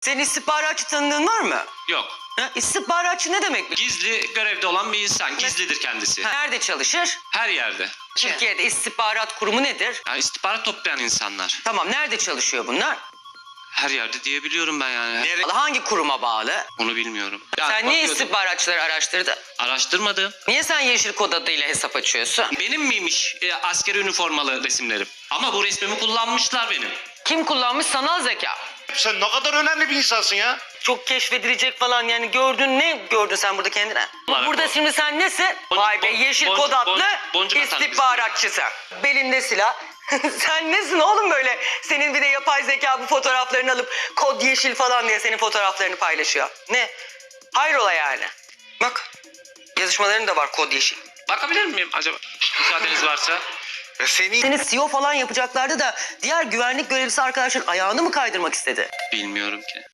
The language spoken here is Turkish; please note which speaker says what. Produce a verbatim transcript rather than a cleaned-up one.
Speaker 1: Senin istihbaratçı tanıdığın var mı?
Speaker 2: Yok.
Speaker 1: Ha? İstihbaratçı ne demek?
Speaker 2: Gizli görevde olan bir insan. Gizlidir kendisi.
Speaker 1: Ha, nerede çalışır?
Speaker 2: Her yerde.
Speaker 1: Türkiye'de istihbarat kurumu nedir?
Speaker 2: Yani istihbarat toplayan insanlar.
Speaker 1: Tamam, nerede çalışıyor bunlar?
Speaker 2: Her yerde diyebiliyorum ben yani.
Speaker 1: Hangi kuruma bağlı?
Speaker 2: Onu bilmiyorum. Yani
Speaker 1: Sen niye
Speaker 2: bakıyordum,
Speaker 1: istihbaratçıları araştırdın?
Speaker 2: araştırmadım.
Speaker 1: Niye sen yeşil kod adıyla hesap açıyorsun?
Speaker 2: Benim miymiş e, askeri üniformalı resimlerim? Ama bu resmimi kullanmışlar benim.
Speaker 1: Kim kullanmış? Sanal zeka.
Speaker 3: Sen ne kadar önemli bir insansın ya.
Speaker 1: Çok keşfedilecek falan, yani gördün, ne gördün sen burada kendine?
Speaker 2: Olarak
Speaker 1: Burada
Speaker 2: o.
Speaker 1: şimdi sen nesin?
Speaker 2: Boncuk-
Speaker 1: Vay be, yeşil
Speaker 2: boncuk-
Speaker 1: kod adlı
Speaker 2: boncuk- boncuk atar mısın?
Speaker 1: istihbaratçısın. Belinde silah. Sen nesin oğlum böyle? Senin bir de yapay zeka bu fotoğraflarını alıp kod yeşil falan diye senin fotoğraflarını paylaşıyor. Ne? Hayrola yani? Bak, yazışmaların da var kod yeşil.
Speaker 2: Bakabilir miyim acaba? Müsaadeniz varsa.
Speaker 3: Ya seni
Speaker 1: Seni C E O falan yapacaklardı da diğer güvenlik görevlisi arkadaşın ayağını mı kaydırmak istedi?
Speaker 2: Bilmiyorum ki.